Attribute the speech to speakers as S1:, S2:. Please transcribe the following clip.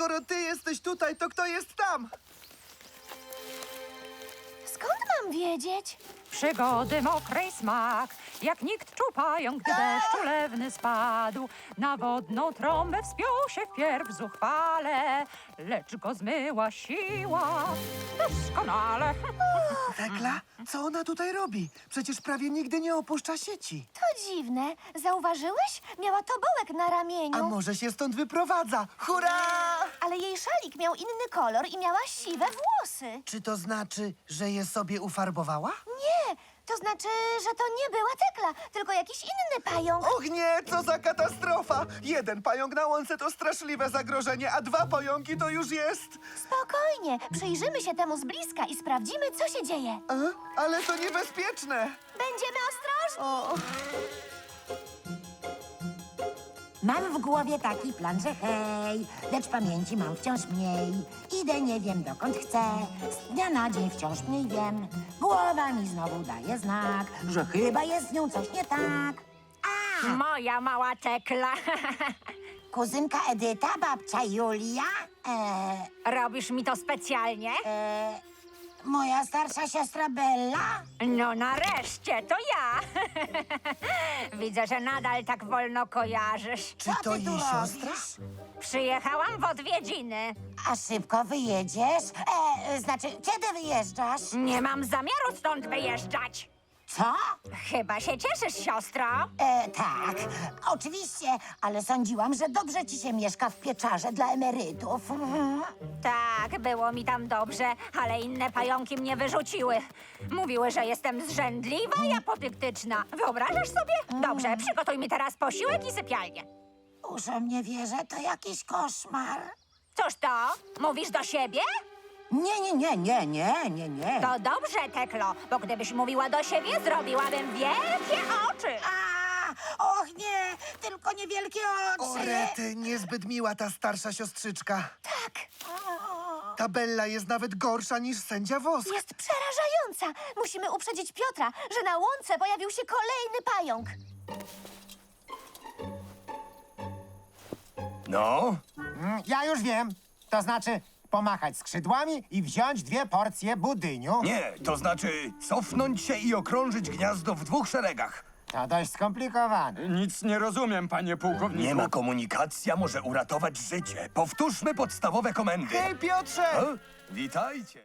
S1: skoro ty jesteś tutaj, to kto jest tam?
S2: Skąd mam wiedzieć?
S3: Przygody mokrej smak, jak nikt czupają, gdy deszcz ulewny spadł. Na wodną trąbę wspiął się wpierw zuchwale, lecz go zmyła siła. Doskonale.
S1: Tekla, co ona tutaj robi? Przecież prawie nigdy nie opuszcza sieci.
S2: To dziwne. Zauważyłeś? Miała tobołek na ramieniu.
S1: A może się stąd wyprowadza? Hurra!
S2: Ale jej szalik miał inny kolor i miała siwe włosy.
S1: Czy to znaczy, że je sobie ufarbowała?
S2: Nie, to znaczy, że to nie była Tekla, tylko jakiś inny pająk.
S1: Och nie, co za katastrofa! Jeden pająk na łące to straszliwe zagrożenie, a dwa pająki to już jest...
S2: Spokojnie, przyjrzymy się temu z bliska i sprawdzimy, co się dzieje.
S1: Ale to niebezpieczne!
S2: Będziemy ostrożni.
S1: O,
S4: Mam w głowie taki plan, że hej, lecz pamięci mam wciąż mniej. Idę nie wiem dokąd chcę, z dnia na dzień wciąż mniej wiem. Głowa mi znowu daje znak, że chyba jest z nią coś nie tak.
S3: Moja mała Tekla.
S4: Kuzynka Edyta, babcia Julia,
S3: Robisz mi to specjalnie?
S4: moja starsza siostra Bella.
S3: No nareszcie, to ja. Widzę, że nadal tak wolno kojarzysz.
S1: czy to
S4: ty
S1: jej
S4: tu
S1: siostra?
S4: robisz?
S3: Przyjechałam w odwiedziny.
S4: A szybko wyjedziesz? Znaczy, kiedy wyjeżdżasz?
S3: Nie mam zamiaru stąd wyjeżdżać.
S4: Co?
S3: Chyba się cieszysz, siostro.
S4: Tak, oczywiście, ale sądziłam, że dobrze ci się mieszka w pieczarze dla emerytów.
S3: Tak, było mi tam dobrze, ale inne pająki mnie wyrzuciły. Mówiły, że jestem zrzędliwa i apodyktyczna. Wyobrażasz sobie? Dobrze, przygotuj mi teraz posiłek i sypialnię.
S4: Uszom nie wierzę, to jakiś koszmar.
S3: Cóż to? Mówisz do siebie?
S4: Nie.
S3: To dobrze, Teklo, bo gdybyś mówiła do siebie, zrobiłabym wielkie oczy.
S4: Och nie, tylko niewielkie
S1: O,
S4: oczy.
S1: rety, niezbyt miła ta starsza siostrzyczka.
S2: Tak,
S1: Ta Bella jest nawet gorsza niż sędzia Wosk.
S2: jest przerażająca. Musimy uprzedzić Piotra, że na łące pojawił się kolejny pająk.
S5: No,
S6: Ja już wiem. To znaczy pomachać skrzydłami i wziąć 2 porcje budyniu.
S5: nie, to znaczy cofnąć się i okrążyć gniazdo w 2 szeregach.
S6: To dość skomplikowane.
S7: Nic nie rozumiem, panie pułkowniku.
S5: Nie ma komunikacja, może uratować życie. Powtórzmy podstawowe komendy.
S1: Hej, Piotrze!
S5: O, witajcie.